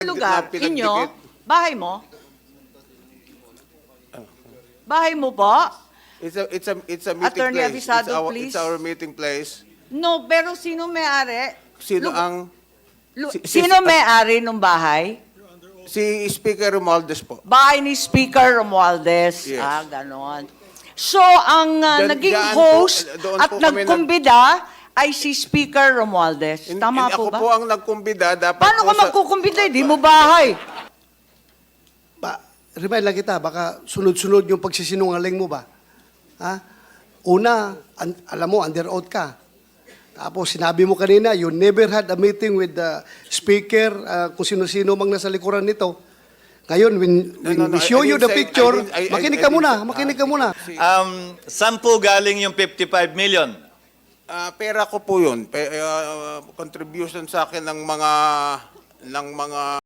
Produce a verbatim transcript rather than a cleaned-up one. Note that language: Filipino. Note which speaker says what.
Speaker 1: lugar,
Speaker 2: na pinagdikit.
Speaker 1: inyo, bahay mo? Bahay mo po?
Speaker 2: It's a, it's a, it's a meeting
Speaker 1: Attorney
Speaker 2: place.
Speaker 1: Avisado,
Speaker 2: it's, our,
Speaker 1: please.
Speaker 2: it's our meeting place.
Speaker 1: No, pero sino may-ari?
Speaker 2: Sino
Speaker 1: Lu-
Speaker 2: ang...
Speaker 1: Lu-
Speaker 2: si- si-
Speaker 1: sino may-ari ng bahay?
Speaker 2: Si Speaker Romualdez po.
Speaker 1: Bahay ni Speaker Romualdez.
Speaker 2: Yes.
Speaker 1: Ah, ganon. So, ang uh,
Speaker 2: Diyan-
Speaker 1: naging
Speaker 2: diyan po,
Speaker 1: host
Speaker 2: doon
Speaker 1: at
Speaker 2: po kami nag-
Speaker 1: nagkumbida ay si Speaker Romualdez.
Speaker 2: In-
Speaker 1: Tama
Speaker 2: in-
Speaker 1: po
Speaker 2: ako
Speaker 1: ba?
Speaker 2: po ang nagkumbida. Dapat
Speaker 1: Paano
Speaker 2: po
Speaker 1: ka
Speaker 2: sa-
Speaker 1: magkukumbida? Di mo bahay.
Speaker 3: Ba, remind lang kita, baka sunod-sunod yung pagsisinungaling mo ba? Ha? Una, an- alam mo, under oath ka. Tapos sinabi mo kanina, you never had a meeting with the speaker, uh, kung sino-sino mang nasa likuran nito. Ngayon, when, when
Speaker 2: No, no, no,
Speaker 3: we show
Speaker 2: I- I
Speaker 3: you
Speaker 2: didn't
Speaker 3: the
Speaker 2: say-
Speaker 3: picture,
Speaker 2: I didn't- I- I-
Speaker 3: makinig
Speaker 2: I
Speaker 3: ka
Speaker 2: didn't
Speaker 3: muna,
Speaker 2: say-
Speaker 3: makinig
Speaker 2: ah,
Speaker 3: ka muna.
Speaker 2: si-
Speaker 4: Um, saan po galing yung fifty-five million?
Speaker 2: Ah, pera ko po yun. Pe- ah, contribution sa akin ng mga ng mga